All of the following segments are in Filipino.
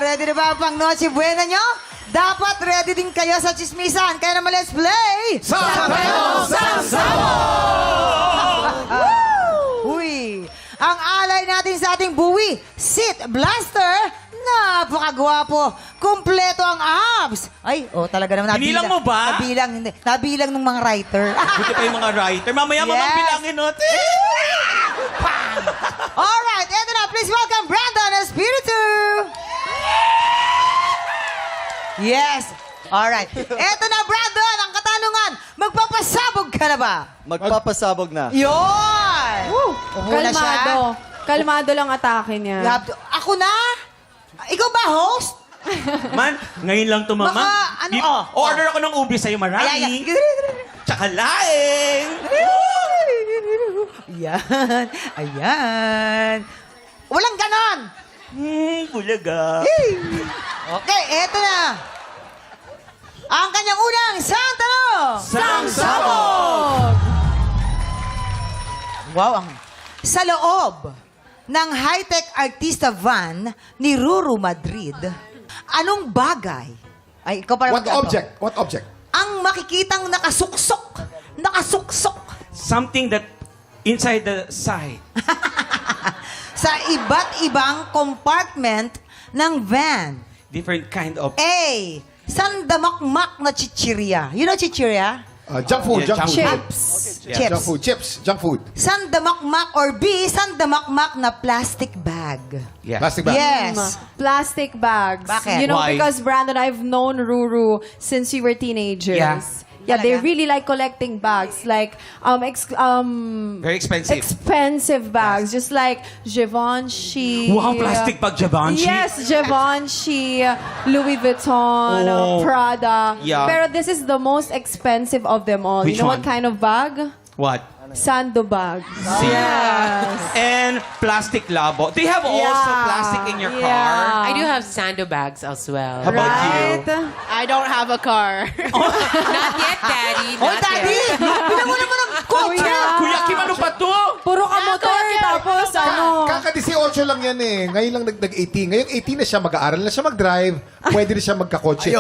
Ready na ba ang pang Noche Buena nyo? Dapat ready din kayo sa chismisan. Kaya naman, let's play! Sabayong Uy! Ang alay natin sa ating buwi, Sit Blaster, napakagwapo. Kumpleto ang abs. Ay, talaga naman. Binilang mo ba? Nabilang, hindi. Nabilang ng mga writer. Buti pa yung mga writer. Mamaya mo Yes. nang bilangin natin. Alright, eto na. Please welcome Brandon Espiritu. Yes. Alright. Eto na, Brandon. Ang katanungan, magpapasabog ka na ba? Magpapasabog na. Yun! Upo na siya. Kalmado. Kalmado lang atake You niya. have to- Ako na? Ikaw ba, host? Man, ngayon lang to, mama. Baka, ano, Order ako ng ubi sa'yo, marami. Ay. Tsaka laing. Ayan. Ayan. Walang ganon. Bulaga. Okay, eto na. Ang kanyang unang sang tanong. Sangsabog! Wow, sa loob ng high-tech artista van ni Ruru Madrid, anong bagay? Ay, ikaw para What object? What object? Ang makikitang nakasuksok. Nakasuksok. Something that inside the side. Sa iba't ibang compartment ng van. Different kind of... A. Sandamakmak na chichirya. You know chichirya? Junk food, Yeah, junk food. Chips. Yeah. Chips. Junk food, chips, junk food. Sandamakmak or B. Sandamakmak na plastic bag. Yeah. Plastic bag. Yes. Plastic bags. Bakit? You know, Why? because Brandon, I've known Ruru since we were teenagers. Yeah. Yeah, they Talaga? really like collecting bags. Like, Very expensive. expensive bags. Just like Givenchy. Wow, plastic bag, Givenchy. Yes, Givenchy, Louis Vuitton, Oh. Prada. Yeah. Pero this is the most expensive of them all. Which you know one? what kind of bag? What? Sando bags. Yes. And plastic labo. Do you have also Yeah. plastic in your Yeah. car? I do have sandbags as well. How about Right? you? I don't have a car. Not yet, Daddy. Oh, Not Daddy! yet. Bilang mo naman ang kotse! Kuya Kim, ano pa to? Puro ka motor, tapos ano. Kaka-18 lang yan eh. Ngayon lang nag-18. Ngayong 18 na siya, mag-aaral na siya mag-drive. Pwede na siya magkakotse.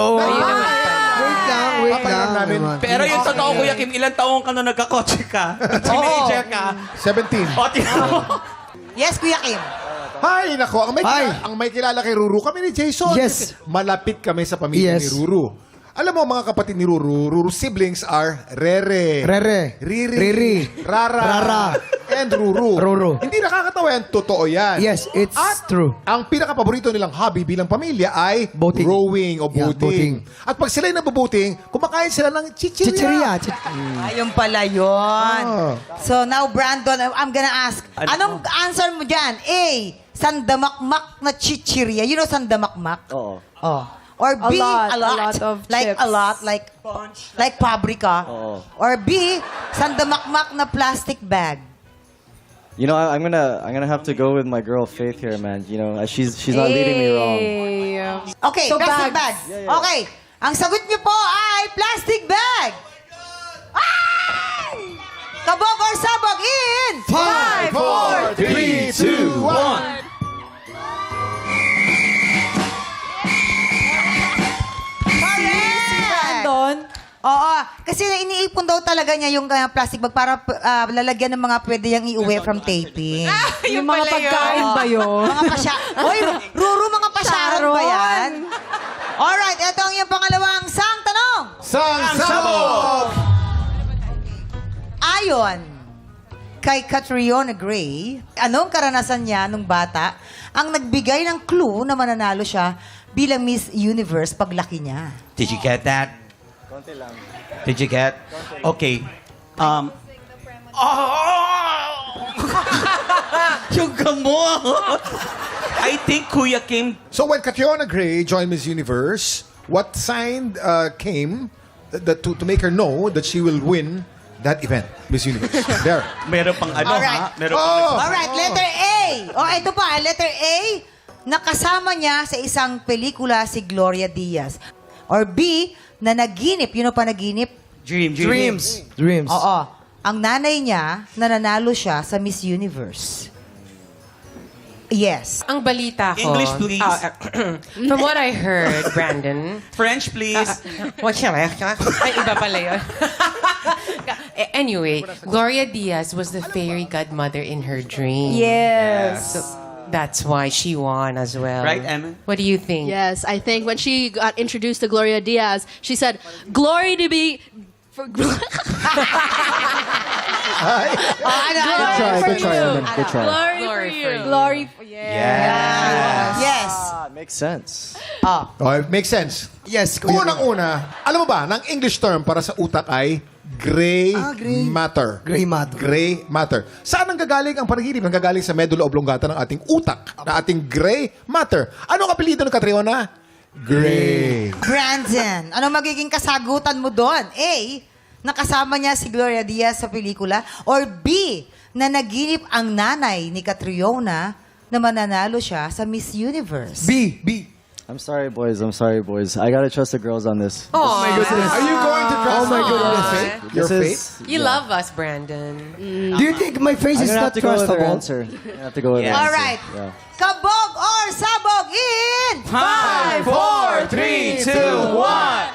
Wait Papayagan namin. Pero yung totoo, Kuya Kim, ilang taong ka na nagkakotse ka? Teenager ka? 17. O, tingnan mo. Yes, Kuya Kim. Hi, nako. Hi. Ang may kilala kay Ruru, kami ni Jason. Yes. Malapit kami sa pamilya Yes. ni Ruru. Alam mo, mga kapatid ni Ruru, Ruru siblings are Rere, Rere. Riri, Rara, Rara. and Ruru. Ruru. Hindi nakakatawa yan, totoo yan. Yes, it's true. Ang pinaka-paborito nilang hobby bilang pamilya ay Boating. rowing o Yeah, boating. At pag sila'y nabuboating, kumakain sila ng chichirya. Chicheria. Ayun pala yun. Ah. So now, Brandon, I'm gonna ask, anong answer mo dyan? A. Sandamakmak na chichirya. You know sandamakmak? Oo. Oh. Or B, A a lot lot. of Like chips. a lot, like pabrika. Oo. Or B, sandamakmak na plastic bag. You know, I'm gonna have to go with my girl Faith here, man. You know, she's not leading me wrong. Okay, So, plastic bag. bags. Okay, ang sagot niyo po ay plastic bag. Ay! Kabog or sabog in 5, 4, 3, 2, 1. Correct! Brandon, Oo, kasi iniipon daw talaga niya yung plastic bag para lalagyan ng mga pwede niyang iuwi from taping. yung mga pagkain ba yun? Mga pasya... Oy, Ruru, mga pasyaron ba yan? Alright, ito ang iyong pangalawang sang tanong. Sabog! Ayon kay Catriona Gray, anong karanasan niya nung bata ang nagbigay ng clue na mananalo siya bilang Miss Universe paglaki niya? Did you get that? Did you get? Okay. Yung gamot. I think Kuya Kim, So when Catriona Gray joined Miss Universe, what sign came to make her know that she will win that event, Miss Universe? There. meron pang ano Alright. ha? Meron pang Oh! Alright, letter A. Ito pa, letter A. Nakasama niya sa isang pelikula si Gloria Diaz. Or B, na naginip. You know pa naginip? Dreams. Oo. Ang nanay niya, nananalo siya sa Miss Universe. Yes. Ang balita ko... English, please. From what I heard, Brandon... French, please. What shall I... Ay, iba pala yun. Anyway, Gloria Diaz was the fairy godmother in her dream. Yes. So, that's why she won as well. Right, Emma? What do you think? Yes, I think when she got introduced to Gloria Diaz, she said, "Glory to be." Good try, Evan. Good try. Glory for Glory you. for you. Glory for Yes. Ah, it makes sense. Oh, it makes sense. Yes, Kuya. Unang-una, alam mo ba, ng English term para sa utak ay gray, gray. matter. Gray matter. Gray matter. Saan ang gagaling ang panaginip? Nanggagaling sa medulla oblongata ng ating utak, na ating gray matter. Ano ang apelido ng Catriona? Gray. Brandon, ano magiging kasagutan mo doon? A, nakasama niya si Gloria Diaz sa pelikula? Or B, na naginip ang nanay ni Catriona na mananalo siya sa Miss Universe? B. I'm sorry, boys. I gotta trust the girls on this. Oh my goodness. Are you going to trust Oh my goodness. your This fate? is- You love us, Brandon. Do you think my face I'm is gonna not have to go with their trustable? answer. I have to go with their Yes. answer. All right. Yeah. Kabog or sabog in 5, 4, 3, 2, 1.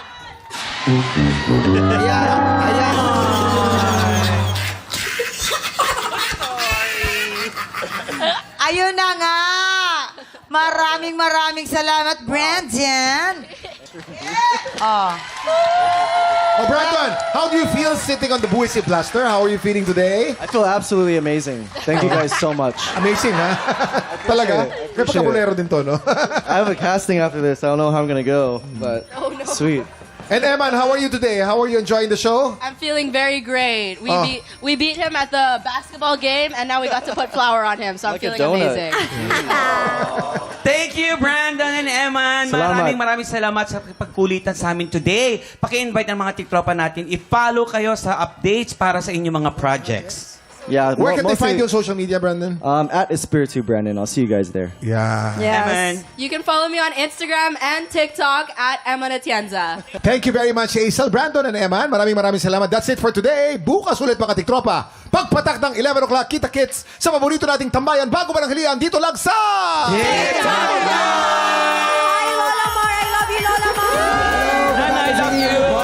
Ayun na nga! Maraming salamat, Brandon! Oh. Oh, Brandon, how do you feel sitting on the Buwisi Blaster? How are you feeling today? I feel absolutely amazing. Thank you guys so much. Amazing, ha? Talaga? it. I May appreciate pagkabulero din to, no? I have a casting after this. I don't know how I'm gonna go, but sweet. And Eman, how are you today? How are you enjoying the show? I'm feeling very great. Oh. We beat him at the basketball game, and now we got to put flour on him. So I'm Like a feeling donut. amazing. Thank you, Brandon and Eman. Salamat. Maraming salamat sa pagkulitan sa amin today. Paki-invite ng mga tiktropa natin. I-follow kayo sa updates para sa inyong mga projects. Yeah. Where can they mostly- find you on social media, Brandon? At Espiritu Brandon. I'll see you guys there. Yeah. Eman. You can follow me on Instagram and TikTok at Emma Natienza. Thank you very much, Hazel, Brandon, and Eman. Maraming salamat. That's it for today. Bukas ulit, mga tiktropa. Pagpatak ng 11 o'clock, kita-kits sa paborito nating tambayan bago mananghalian dito lang sa... Hi, Lola Mar! I love you, Lola Mar! And I love you.